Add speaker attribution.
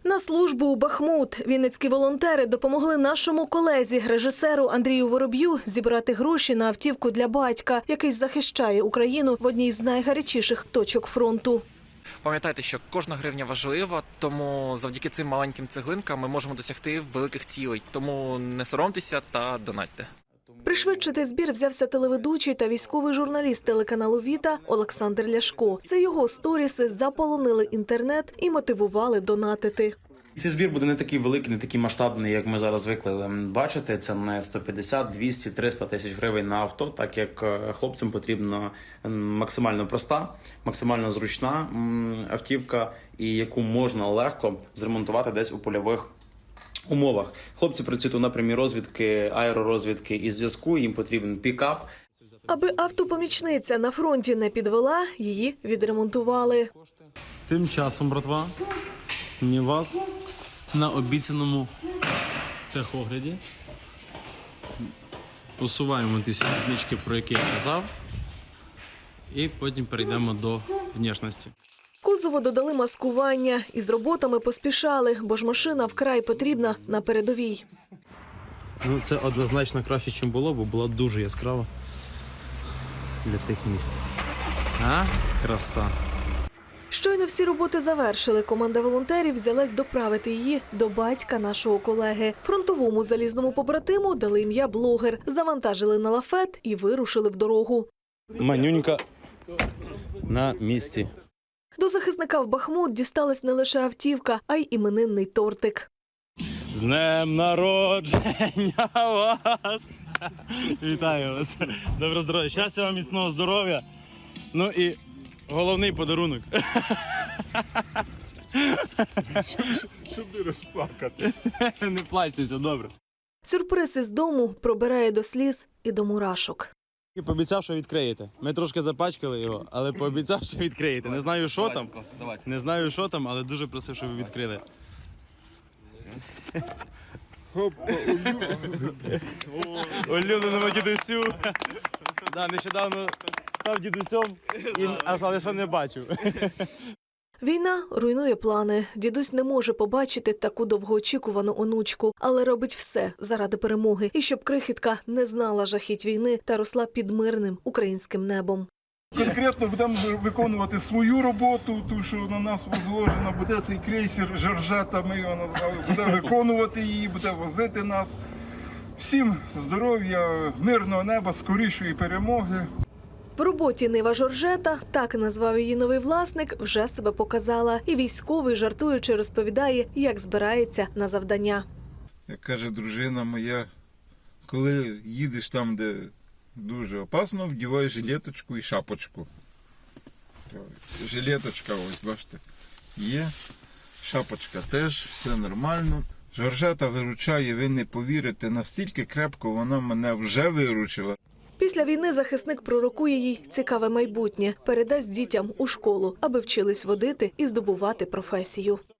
Speaker 1: На службу у Бахмут вінницькі волонтери допомогли нашому колезі, режисеру Андрію Вороб'ю, зібрати гроші на автівку для батька, який захищає Україну в одній з найгарячіших точок фронту.
Speaker 2: Пам'ятайте, що кожна гривня важлива, тому завдяки цим маленьким цеглинкам ми можемо досягти великих цілей. Тому не соромтеся та донатьте.
Speaker 1: Пришвидшити збір взявся телеведучий та військовий журналіст телеканалу «Віта» Олександр Ляшко. Це його сторіси заполонили інтернет і мотивували донатити.
Speaker 3: Цей збір буде не такий великий, не такий масштабний, як ми зараз звикли бачити. Це не 150, 200, 300 тисяч гривень на авто, так як хлопцям потрібна максимально проста, максимально зручна автівка, і яку можна легко зремонтувати десь у польових умовах. Хлопці працюють у напрямі розвідки, аеророзвідки і зв'язку, їм потрібен пікап.
Speaker 1: Аби автопомічниця на фронті не підвела, її відремонтували.
Speaker 4: Тим часом, братва, мені вас на обіцяному техогляді усуваємо ті всі відмічки, про які я казав, і потім перейдемо до внешності.
Speaker 1: Кузову додали маскування і з роботами поспішали, бо ж машина вкрай потрібна на передовій.
Speaker 4: Ну, це однозначно краще, ніж було, бо була дуже яскрава для тих місць. А? Краса.
Speaker 1: Щойно всі роботи завершили, команда волонтерів взялась доправити її до батька нашого колеги. Фронтовому залізному побратиму дали ім'я блогер, завантажили на лафет і вирушили в дорогу.
Speaker 4: Манюнька на місці.
Speaker 1: До захисника в Бахмут дісталась не лише автівка, а й іменинний тортик.
Speaker 4: З днем народження вас! Вітаю вас! Доброго здоров'я! Щастя вам, міцного здоров'я! Ну і головний подарунок.
Speaker 5: Щоб не розплакатись.
Speaker 4: Не плачтеся, добре.
Speaker 1: Сюрприз із дому пробирає до сліз і до мурашок.
Speaker 4: І пообіцяв, що відкриєте. Ми трошки запачкали його, але пообіцяв, що відкриєте. Не знаю, що там. Не знаю, що там, але дуже просив, щоб ви відкрили. Улюбленому дідусю. Да, нещодавно став дідусем, але що не бачив.
Speaker 1: Війна руйнує плани. Дідусь не може побачити таку довгоочікувану онучку, але робить все заради перемоги. І щоб крихітка не знала жахіть війни та росла під мирним українським небом.
Speaker 5: Конкретно будемо виконувати свою роботу, ту, що на нас возложено. Буде цей крейсер «Жоржета», ми його назвали, буде виконувати її, буде возити нас. Всім здоров'я, мирного неба, скорішої перемоги.
Speaker 1: В роботі «Нива Жоржета», так назвав її новий власник, вже себе показала. І військовий, жартуючи, розповідає, як збирається на завдання.
Speaker 5: Як каже дружина моя, коли їдеш там, де дуже опасно, вдівай жилеточку і шапочку. Жилеточка, ось, бачите, є. Шапочка теж, все нормально. Жоржета виручає, ви не повірите, настільки крепко вона мене вже виручила.
Speaker 1: Після війни захисник пророкує їй цікаве майбутнє. Передасть дітям у школу, аби вчились водити і здобувати професію.